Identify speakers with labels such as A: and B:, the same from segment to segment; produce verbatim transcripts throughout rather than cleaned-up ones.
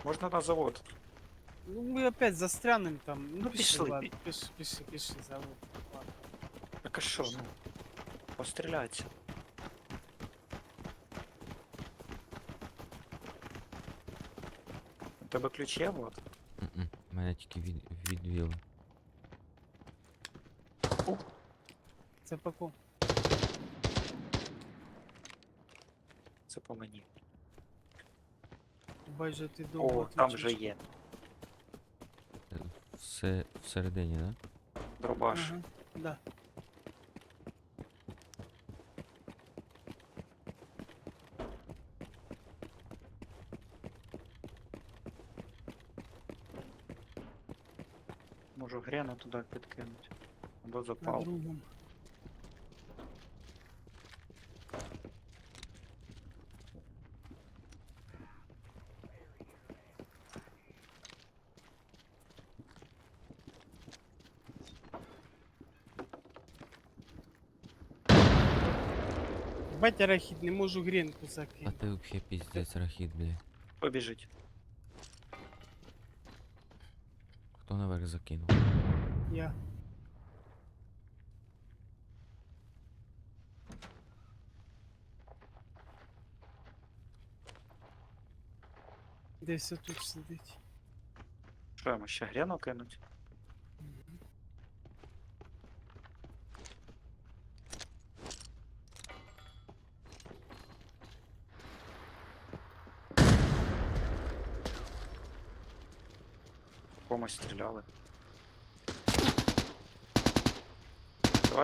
A: Можна на завод.
B: Ну мы опять застрянем там. Ну,
A: Ну,
B: пішли,
A: пішли,
B: ладно,
A: пі-
B: пішли, пішли, пішли, завод. Ладно.
A: Так а що, ну? Постріляйся. У тебе ключ є, вот?
C: М-м, Мене тільки від, відвіли.
B: Це по кому?
A: Це по мені.
B: Бачу, ти довго
A: О, там
B: відвічаєш.
A: вже є.
C: Е, Все всередині, да?
A: Дробаш.
B: Ага, да.
A: Можу грену туди підкинути. Або
B: На
A: запал.
B: другому. Бать, арахід, не можу грінку
C: А
B: закинути.
C: ти взагалі піздець рахіт, блядь.
A: Побіжить.
C: Хто наверх закинув?
B: Я. Десь отут сидить.
A: Що, йому ще грену кинуть? Комусь стріляли. Давай.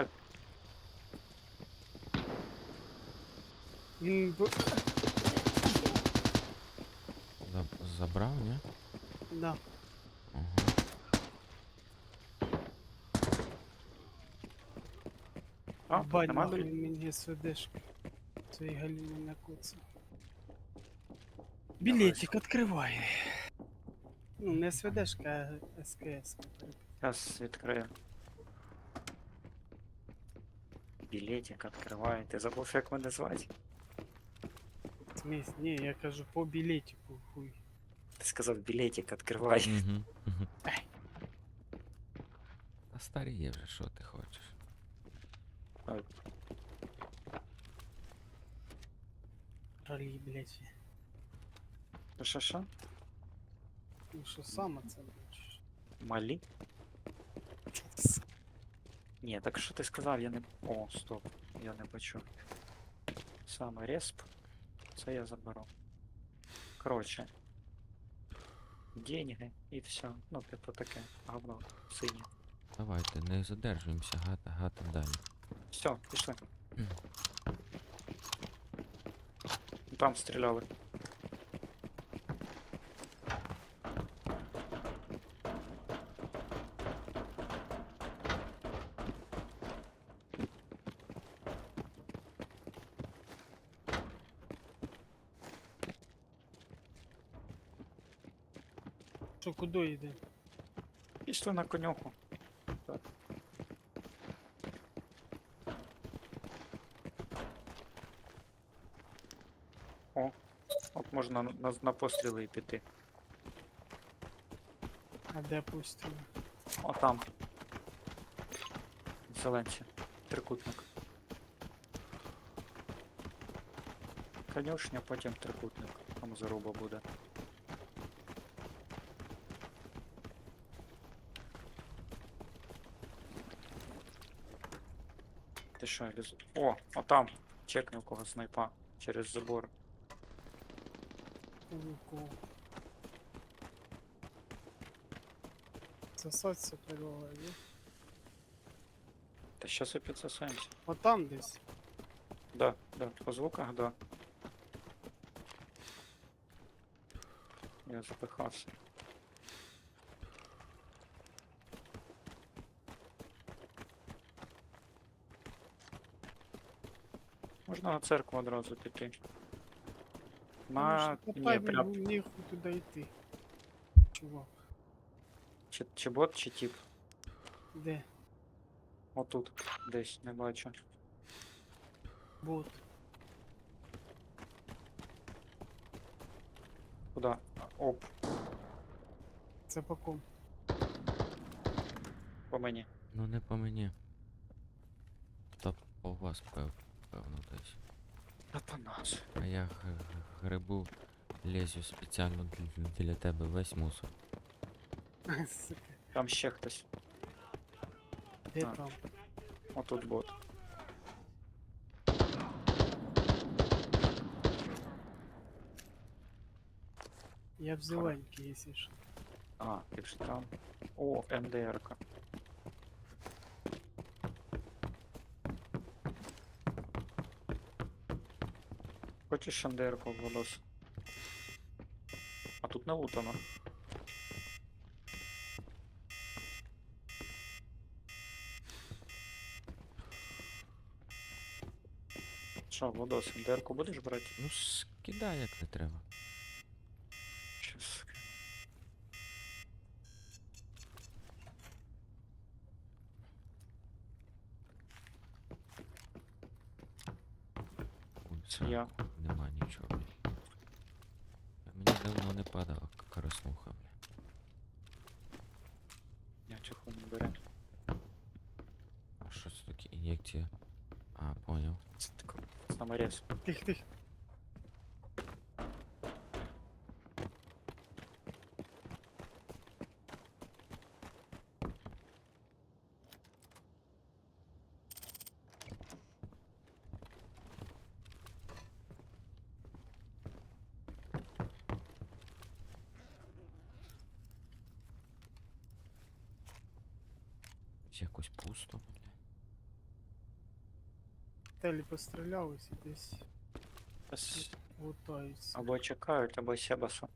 B: Він б...
C: Заб- Забрав, ні?
B: Да.
C: Ага.
A: А, тут
B: Бать,
A: нема
B: нахуй
A: біль-
B: він мені СВДшку. Цієї галіни накоцав. Білетик відкривай. Ну, не СВДшка, а СКС.
A: Зараз відкрию. Білетик відкриває. Ти забув, як мене звати?
B: Смесь, ні, я кажу по білетику, хуй.
A: Ти сказав білетик відкривай.
C: Угу. Угу. Та старіє вже, що ти хочеш?
B: Ралі, блядь.
A: Що, що?
B: Ну що саме це бачиш?
A: Малі? Ні, так що ти сказав, я не... О, стоп, я не почув. Саме респ. Це я заберу. Коротше. Деньги і все. Ну, типу таке. Говно. Синє.
C: Давайте, не задержуємося, гата, гата далі.
A: Все, пішли. Там стріляли.
B: Що, куди йде?
A: Пішли на конюху. Так. О, от можна на, на, на постріли і піти.
B: А де постріли?
A: О, там. Зеленці. Трикутник. Конюшня, потім трикутник. Там заруба буде. Ти що, ліз... О, а там. Чекни у кого снайпа. Через забор.
B: Луку. Сосаться приголові.
A: Та щас і підсосаємося.
B: Отам десь.
A: Да, да, по звуках, да. Я запихався. Можна на церкву одразу піти. На... Ні, прям...
B: Ніхуй туди йти. Чувак.
A: Чи, чи бот, чи тип.
B: Де?
A: Отут. Десь, не бачу.
B: Бот.
A: Куда? Оп.
B: Це по ком?
A: По мені.
C: Ну не по мені. Та по вас, пев, певно, десь.
A: Та по нас.
C: А я г- г- грибу, лезю спеціально для, для тебе весь мусор.
B: Сука,
A: Там ще хтось.
B: де
A: А.
B: там?
A: Отут бот.
B: Я в зеленькій, якщо що.
A: А, ти вже там. О, МДРка. Хочеш МДРку, Владос? А тут не лутано. Що, Владос, МДРку будеш брати?
C: Ну скидай, як не треба.
A: Щас.
C: Ульця,
A: Я.
C: нема нічого. блін. Мені давно не падала к- краснуха, бля.
A: Я чеху не беру.
C: А що це таке ін'єкція? А, поняв.
A: Це тако саморез.
B: Тих, тих.
C: Якось пусто, бля.
B: Телі пострілялись і десь
A: Щас
B: лутаються.
A: Або чекають, або Себасу.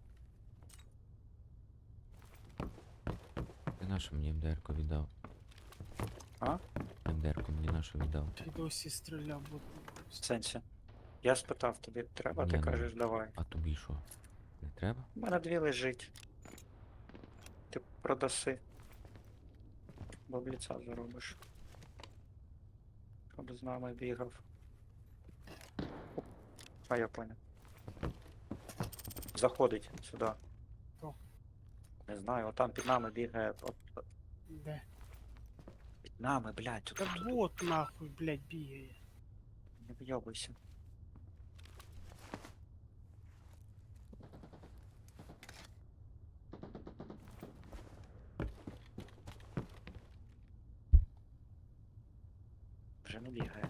C: Ти нашу мені МДРку віддав.
A: А?
C: МДРку мені нашу віддав.
B: І досі стріляв, бо
A: В сенсі. Я спитав тобі, треба,
C: Ні,
A: ти
C: ну.
A: кажеш, давай.
C: А тобі що? Не треба?
A: У мене дві лежить. Ти продаси. Бабліця заробиш. Щоб з нами бігав. Оп. А я понял. Заходить сюди.
B: Хто?
A: Не знаю, отам під нами бігає. От,
B: де?
A: під нами, блядь, тут,
B: Та
A: тут, тут.
B: бот нахуй, блядь, бігає.
A: Не вйобуйся. Вже не бігає.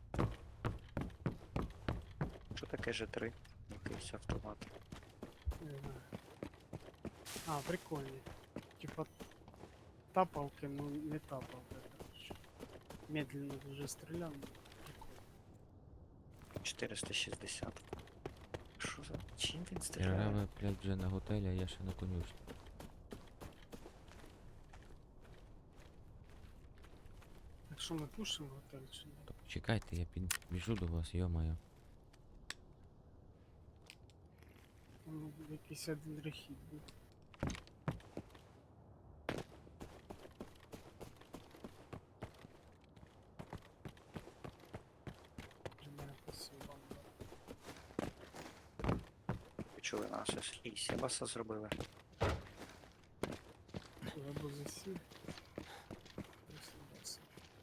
A: Що таке Ж три? Якийсь автомат.
B: Не знаю. А, прикольні. Типа тапалки, ну не тапалки, короче. Медленно дуже стріляв. ну, Прикольно.
A: чотириста шістдесят. Що за... Чим він стріляє?
C: Реве, блядь, вже на готелі, а я ще на конюшні.
B: Так що ми пушимо готель чи ні?
C: Чекайте, я підбіжу до вас, йо-моє.
B: Ну, якийсь один рехід був. Вже мене посилав.
A: Почули нас, ось і Себаса зробили.
B: Або засів. Присунувся.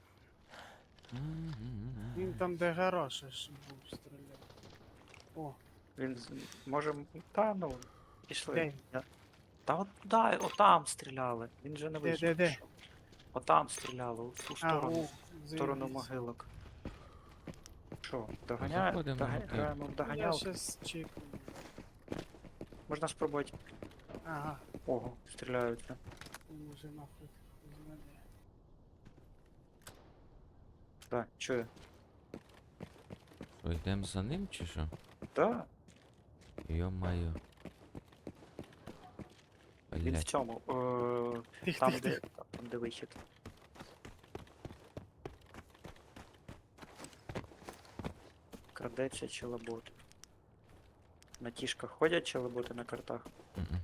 B: Він там, де гараж аж був, стріляв. О,
A: Він з- може. м- Та ну. Пішли.
B: Де?
A: Я- Та от туди, отам стріляли. Він же не
B: Де,
A: вийшов.
B: де, де?
A: пішов. Отам стріляли, в ту
B: а,
A: сторону.
B: о,
A: В сторону
B: заєбісь.
A: могилок. Що, доганяємо?
C: Заходимо на
A: Дога...
C: готель.
A: Граємо в
B: Я
A: доганялки.
B: щас чекаю.
A: Можна спробувати.
B: Ага,
A: Ого, стріляють. вже.
B: він уже нахуй зведе.
A: Да, чую.
C: Що, йдемо за ним чи що?
A: Да,
C: Йо-моє.
A: він в
C: Блядь,
A: цьому. Е,
B: Тих,
A: там,
B: тих,
A: де,
B: тих.
A: там, де вихід. Крадеться челобот. На тішках ходять челоботи на картах.
C: м-м.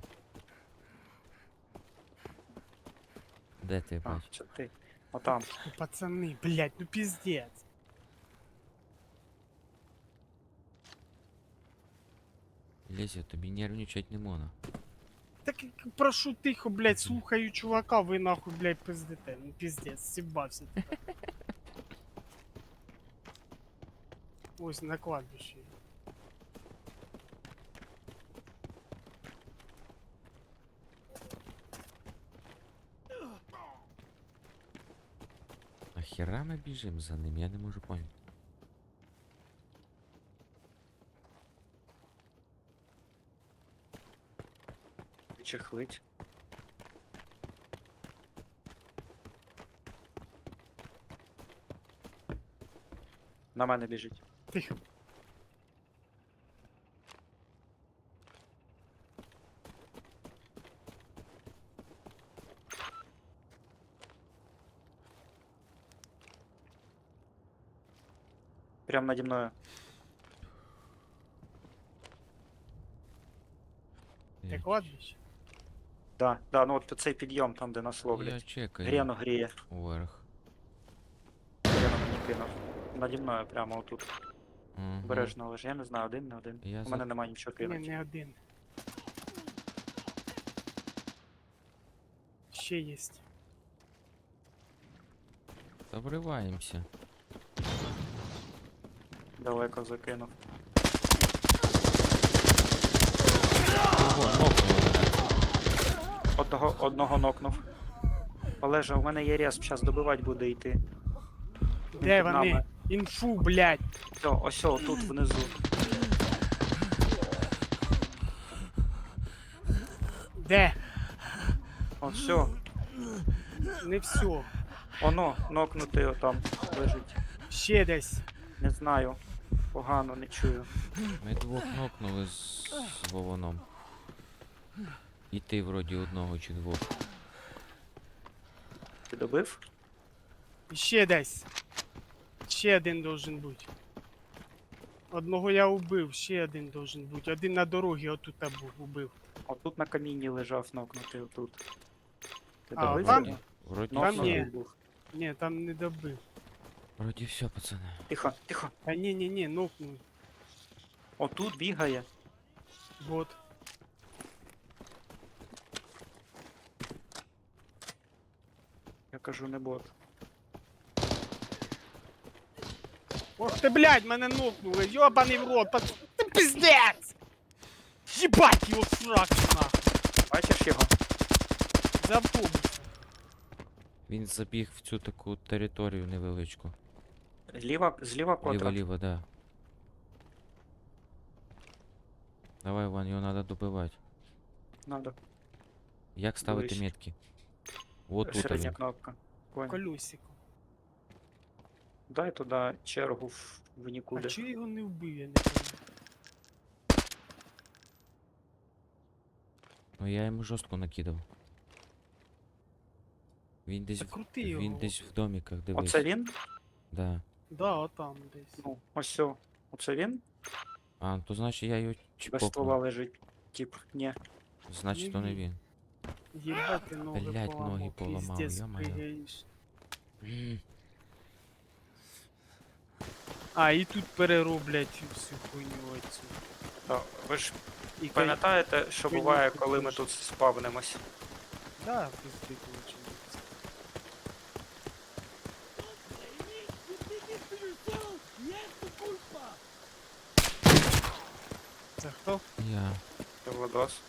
C: Де ти
A: А,
C: бачиш?
A: це ти. Отам.
B: Ну, пацани, блядь, ну пиздец.
C: Лезя, тобі нервничать не можна.
B: Так як прошу тихо, блядь, слухаю чувака, ви нахуй, блядь, пиздите. Ну пиздец, сібався. Ось на кладбищі.
C: Нахера ми біжимо за ним? Я не можу поняти.
A: Чехлить. На мене біжить.
B: Тихо.
A: Прям наді мною.
B: Те
C: Я,
B: кладбище?
A: Да, да, ну от цей підйом там, де нас
C: я
A: ловлять.
C: чекаю
A: Гріну гріє.
C: вверх.
A: Гріну мені кинув. Наді мною прямо отут.
C: Угу.
A: Обережно лежи. Я не знаю, один, не один.
C: Я
A: У
C: за-
A: мене немає нічого
B: Ні,
A: кинути.
B: не один. Ще єсть.
C: Та вриваємося.
A: Далеко закинув.
C: Ого, нокнули.
A: Одного, одного нокнув. Олежа, у мене є респ, зараз добивати буде йти. Він
B: Де
A: під
B: вони?
A: нами.
B: Інфу, блядь.
A: Все, ось о, тут внизу.
B: Де?
A: От все.
B: Не все.
A: Оно, нокнутий отам лежить.
B: Ще десь.
A: Не знаю. Погано, не чую.
C: Ми двох нокнули з, з Вованом. І ти вроді одного чи двох.
A: Ти добив?
B: Ще десь. Ще один должен бути. Одного я убив, ще один должен бути. Один на дорогі отут був, убив.
A: Отут на камінні лежав нокнутий отут. Ти
B: А,
A: добив
B: там?
A: його?
C: Вроді
B: Там
C: все.
B: ні.
A: був.
B: Ні, там не добив.
C: Вроді все, пацани.
A: Тихо, тихо.
B: А ні, ні, ні, нокнув.
A: Отут бігає.
B: Вот.
A: Я кажу, не бот.
B: Ох ти, блядь, мене нокнули, йобаний в рот, пац... Ти пиздец! Єбать його сраку нахуй!
A: Бачиш його?
B: За автобус.
C: Він забіг в цю таку територію невеличку.
A: Зліва, зліва котра.
C: Ліво-ліво, да. Давай, Ван, його треба добивати.
A: Надо.
C: Як ставити
A: Ближче.
C: метки? Вот тут
A: Середня
C: він.
A: кнопка. Понял.
B: Колесико.
A: Дай туди чергу в, в
B: А
A: нікуди.
B: чого я його не вбив, я не пам'ятаю.
C: Ну я йому жорстко накидав. Він десь, в-
B: Закрути його.
C: він десь в доміках, дивись.
A: Оце він?
C: Да.
B: Да, отам десь.
A: Ну, ось о. Оце він?
C: А, то значить я його
A: Без ствола
C: чпокнув.
A: лежить. Тип, ні.
C: Значить то не він.
B: Єбать ти ноги
C: Блядь,
B: поламав,
C: ноги поламав,
B: пиздец,
C: ё-моё.
B: пригаєш.
C: М,
B: А, і тут перероблять всю хуйню оцю.
A: Та, ви ж
B: І кай-
A: пам'ятаєте, що
B: Коньяк
A: буває,
B: тут
A: коли ми
B: теж.
A: тут спавнимось?
B: Да, пизди получилось. Це хто?
C: Я.
A: Це Владос.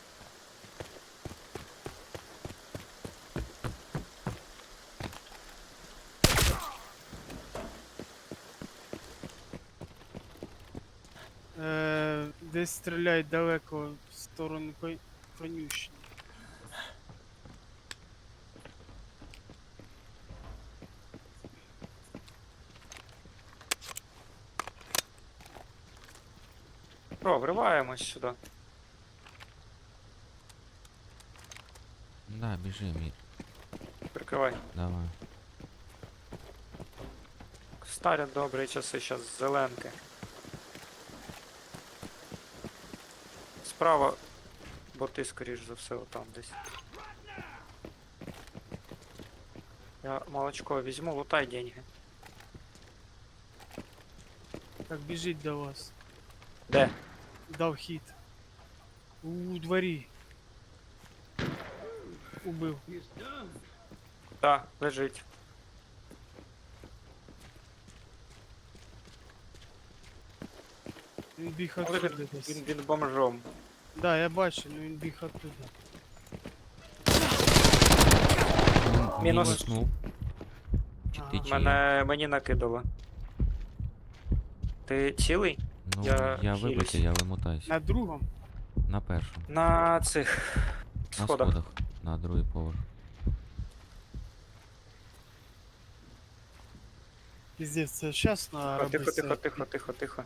B: Е, десь стріляють далеко в сторону кон- конюшні.
A: Про, вриваємось сюди.
C: Да, біжи, мій.
A: Прикривай.
C: Давай.
A: Старі добрі часи, зараз зеленки. Справа, бо ти, скоріш за все, отам десь. Я молочко візьму, лутай деньги.
B: Так біжить до вас.
A: Де?
B: Дав хід. У дворі. Убив.
A: Так, лежить.
B: Він біг
A: Але
B: оттуда
A: він,
B: десь.
A: він, він бомжом.
B: Да, я бачу, ну він біг оттуда.
C: Мін-
A: Мінус.
C: Мінуснув. Чи
B: Ага.
C: ти чи я?
A: Мене мені накидало. Ти цілий?
C: Ну,
A: я
C: я
A: хилюсь.
C: вибачте, я вимотаюсь.
B: На другому?
C: На першому.
A: На цих
C: На
A: сходах.
C: сходах. На другий поверх.
B: Піздець, це чесно
A: Тихо,
B: робити
A: тихо,
B: це.
A: тихо, тихо, тихо, тихо.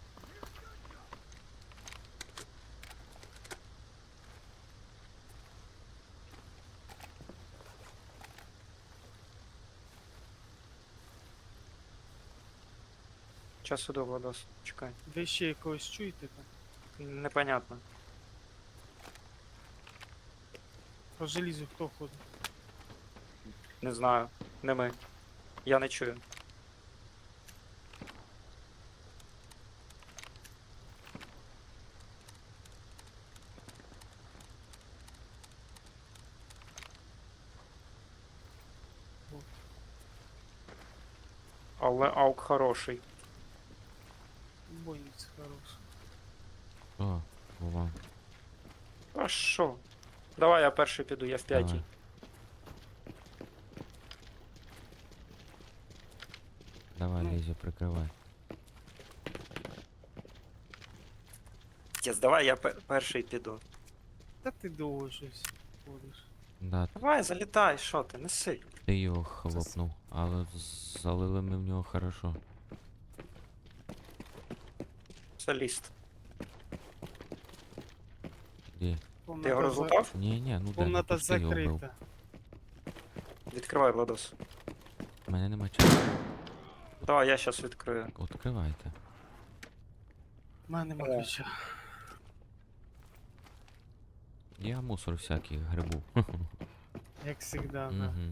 A: Часу до Владос, чекай.
B: Ви ще якогось чуєте там?
A: Непонятно.
B: По желізу хто ходить?
A: Не знаю. Не ми. Я не чую.
B: Вот.
A: Але аук хороший.
B: Бойниць хороший.
C: О, Вова.
A: А що? Давай я перший піду, я в п'ятій.
C: Давай. Давай,
B: Ну.
C: Лізя, прикривай.
A: Тіс, давай я пе- перший піду.
B: Та ти довго щось ходиш.
C: Да,
A: Давай, залітай, що ти, неси.
C: ти його хлопнув, але з- залили ми в нього хорошо.
A: Соліст.
C: Де?
A: Ти його
B: за-
A: розлутав?
C: Ні, ні, ну де, ну
B: Комната
C: пусти його вбив.
B: закрита.
A: Відкривай, Владос.
C: У мене нема часу.
A: Давай, я щас відкрию.
C: Відкривайте.
B: У мене нема
A: О.
B: ключа.
C: Я мусор всякий грибу.
B: Як завжди, да.
C: Мгм.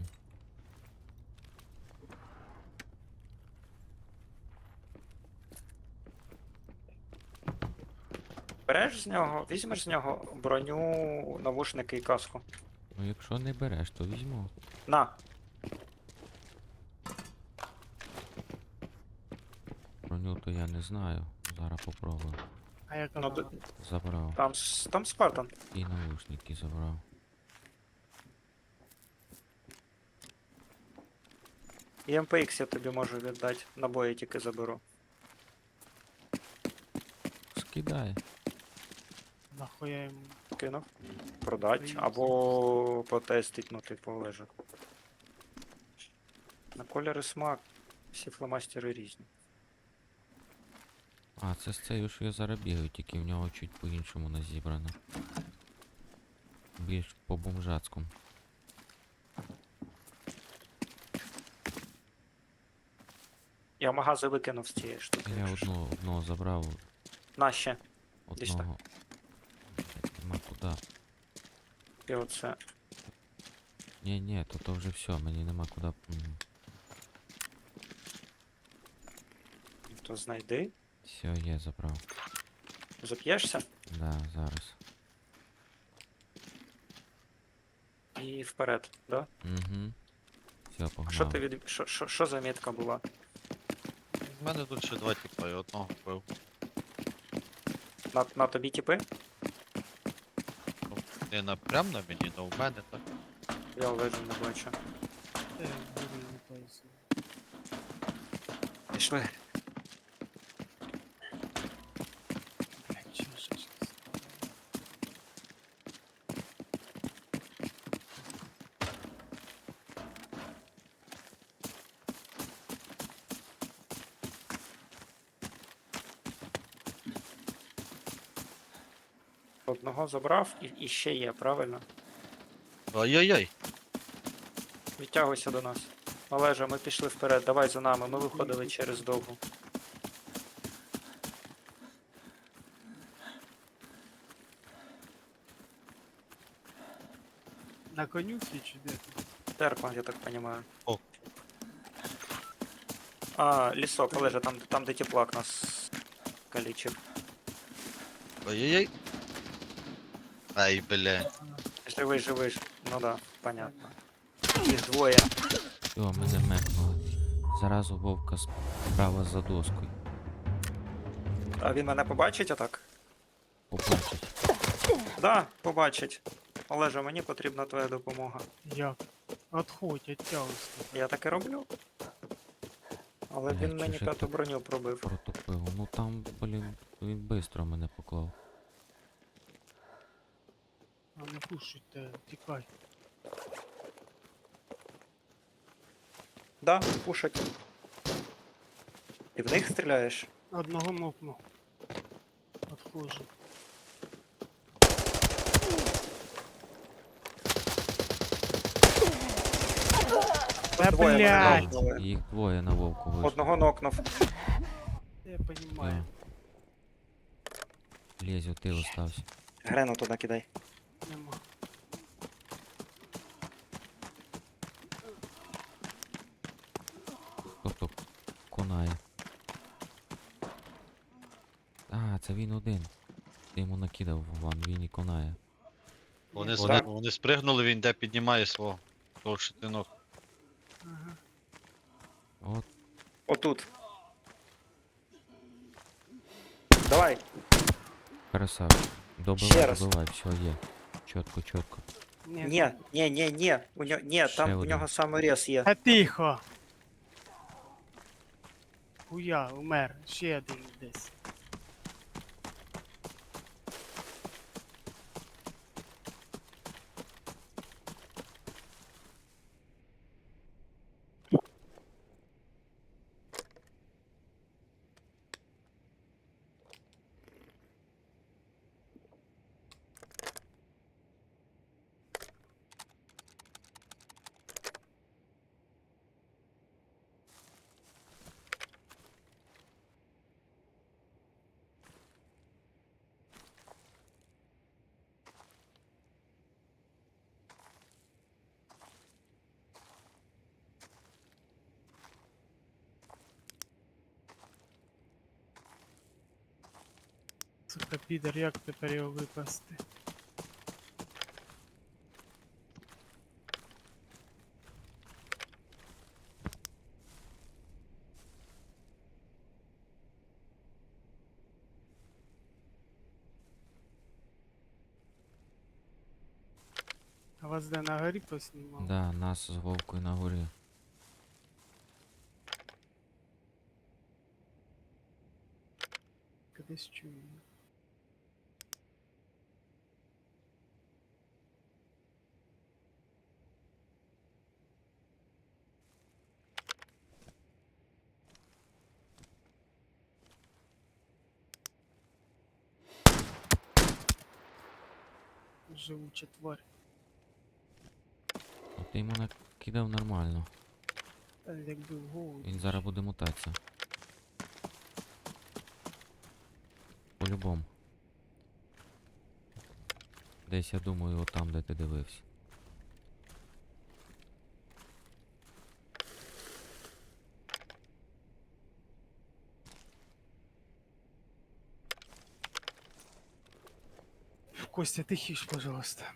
A: Береш з нього, візьмеш з нього броню, навушники і каску.
C: Ну якщо не береш, то візьму.
A: На,
C: Броню то я не знаю. Зараз попробую.
B: А як
A: ну,
B: вона?
A: д-
C: Забрав.
A: там, с- там Спартан.
C: І наушники забрав.
A: І ем пе ікс я тобі можу віддати, набої тільки заберу.
C: Скидай.
B: Нахуя йому?
A: Кинув. Продать.
B: Приїзд.
A: Або потестить, ну типу лежа. На кольори смак. Всі фломастери різні.
C: А, це з цією, що я зараз бігаю, тільки в нього чуть по-іншому назібрано. Більш по-бомжацькому.
A: Я магази викинув з цієї штуки.
C: Я
A: якщо що.
C: одного, одного забрав,
A: На ще. Десь так.
C: одного. Блядь, нема куди.
A: І оце.
C: Ні, ні, то то вже все, мені нема куди. М,
A: То знайди.
C: Все, є, забрав.
A: Зап'єшся
C: Да, зараз.
A: і вперед, да?
C: Угу. Все,
A: А
C: погнав.
A: що ти від. Що, що, що за мітка була?
D: В мене тут ще два тіпа, я одного вбив.
A: На, на тобі тіпи?
D: Ну, не на прям на мені, але в мене так.
A: Я лежу не бачу.
B: Та я буду не поясню.
A: Пішли.
B: Блядь, чого ж я щас?
A: Одного забрав і, і ще є, правильно?
D: Ай-яй-яй!
A: Відтягуйся до нас. Олежа, ми пішли вперед, давай за нами, ми виходили через довгу.
B: На конюці чи де? ти?
A: Терпа, я так понимаю.
D: О.
A: А, лісок, Олежа, там, там де теплак нас калічив.
D: Ай-яй-яй! Ай, бля.
A: Живий, живий. Ну да, понятно. Їх двоє.
C: Все, мене мекнули. Заразу вовка справа за доскою.
A: А він мене побачить отак?
C: Побачить.
A: Да, побачить. Олеже, мені потрібна твоя допомога.
B: Як? Отходь, оттягуйся.
A: Я так і роблю. Але
C: Блядь,
A: він мені
C: чуже
A: п'яту
C: тут
A: броню пробив.
C: Протупив. Ну там, блін, він бистро мене поклав.
B: А не пушуйте, тікай.
A: Да, пушать. Ти в них стріляєш?
B: Одного мокну. Отходжу. Та
A: Двоє мене
B: блядь!
A: нокнули.
C: Їх двоє на вовку вийшло.
A: Одного нокнув.
B: Я понимаю.
C: Лезь, ти остався.
A: Грену туди кидай.
B: Нема.
C: Тобто конає. А, це він один. Ти йому накидав ван, він і конає.
D: Вони,
B: Ні,
D: спри-
A: так.
D: вони спригнули, він де піднімає свого. Того щитинок.
B: Ага.
C: От,
A: Отут. Давай.
C: красавчик.
A: Ще
C: Добивай,
A: раз.
C: добивай, все є. Чітко, чітко.
B: Ні,
A: Ні, ні, ні, ні. У нього, ні,
C: Ще
A: там у
C: один.
A: нього саморез є.
B: Та тихо! Хуя, умер. Ще один десь. Сука, підер, як тепер його випасти? А вас де на горі поснімав?
C: Да, нас з вовкою на горі.
B: Кудись чую. Живуча тварь.
C: От ти йому накидав нормально.
B: Та якби в голову.
C: Він зараз буде мутатися. По-любому. Десь я думаю, отам, де ти дивився.
B: Костя, тихіш, пожалуйста.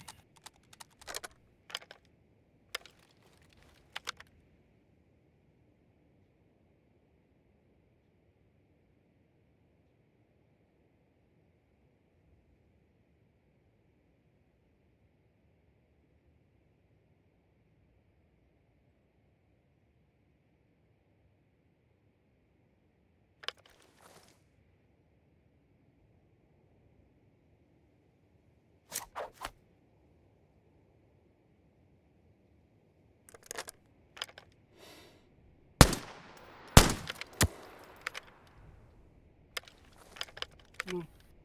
B: Ну.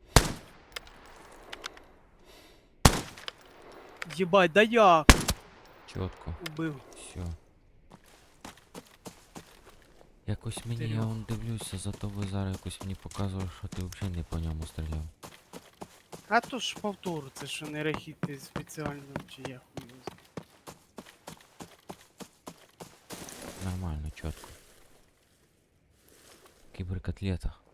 B: Єбать, да я
C: Чітко.
B: убив.
C: Все. Якось мені, я
B: Серйозно?
C: он дивлюся, зато ви зараз якось мені показували, що ти взагалі не по ньому стріляв.
B: А то ж повтору, це що не рахіти спеціально, чи я хуй його знаю.
C: Нормально, чітко. Кіберкотлета.